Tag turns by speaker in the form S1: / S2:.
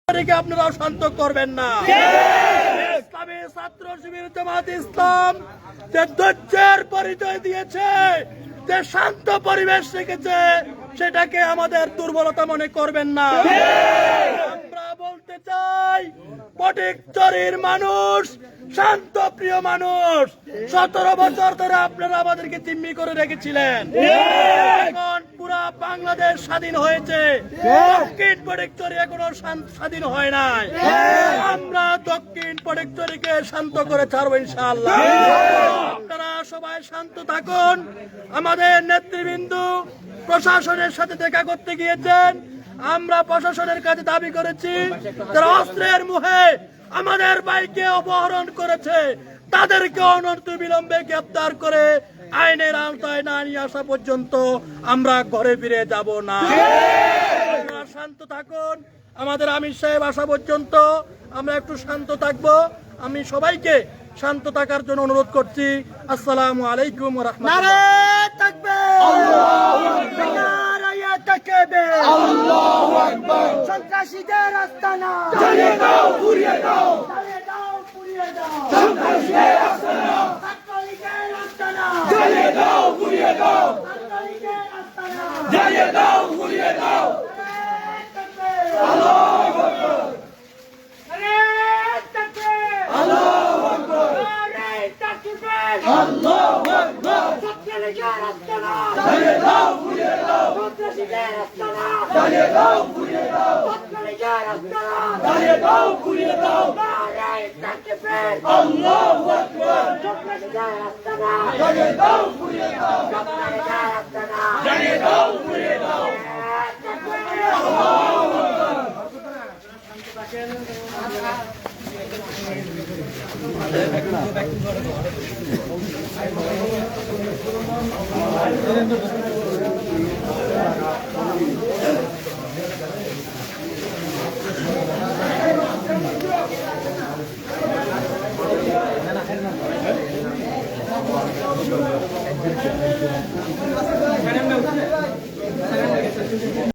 S1: আপনারা শান্ত করবেন না। ইসলামী ছাত্র শিবির জামাত ইসলাম যে ধৈর্যের পরিচয় দিয়েছে, যে শান্ত পরিবেশ রেখেছে, সেটাকে আমাদের দুর্বলতা মনে করবেন না। আমরা বলতে চাই, ফটিকছড়ির মানুষ শান্ত প্রিয় মানুষ। 17 বছর ধরে আপনারা আমাদেরকে জিম্মি করে রেখেছিলেন। এখন পুরা বাংলাদেশ স্বাধীন হয়েছে, দক্ষিণ ফটিকছড়ি এখনো স্বাধীন হয় নাই। আমরা দক্ষিণ ফটিকছড়িকে শান্ত করে ছাড়বো ইনশাআল্লাহ। আপনারা সবাই শান্ত থাকুন। আমাদের নেতৃবৃন্দ প্রশাসনের সাথে দেখা করতে গিয়েছেন। আমরা প্রশাসনের কাছে দাবি করেছি, যারা অস্ত্রের মুখে আমাদের ভাইকে অপহরণ করেছে তাদেরকে অনতিবিলম্বে গ্রেফতার করে আইনের আওতায় না নিয়ে আসা পর্যন্ত আমরা ঘরে ফিরে যাব না। আপনারা শান্ত থাকুন। আমাদের আমির সাহেব আসা পর্যন্ত আমরা একটু শান্ত থাকবো। আমি সবাইকে শান্ত থাকার জন্য অনুরোধ করছি। আসসালামু আলাইকুম ওয়া রাহমাতুল্লাহ।
S2: আল্লাহু আকবার। সন্ত্রাসীদের আস্তানা জ্বালিয়ে দাও, পুড়িয়ে দাও, জ্বালিয়ে দাও, পুড়িয়ে দাও। সন্ত্রাসীদের আস্তানা, ছাত্রলীগের আস্তানা জ্বালিয়ে দাও, পুড়িয়ে দাও। ছাত্রলীগের আস্তানা জ্বালিয়ে দাও, পুড়িয়ে দাও। আল্লাহু আকবার। আরে তাকবীর, আল্লাহু আকবার। আরে তাকবীর, আল্লাহু আকবার। ছাত্রলীগের আস্তানা জ্বালিয়ে দাও, পুড়িয়ে দাও। সন্ত্রাসীদের আস্তানা জ্বালিয়ে দাও, পুড়িয়ে দাও। ছাত্রলীগের আস্তানা জ্বালিয়ে দাও, পুড়িয়ে দাও। আরে তাকবীর, আল্লাহু আকবার। সন্ত্রাসীদের আস্তানা জ্বালিয়ে দাও, পুড়িয়ে দাও। ছাত্রলীগের আস্তানা জ্বালিয়ে দাও, পুড়িয়ে দাও। আল্লাহু আকবার।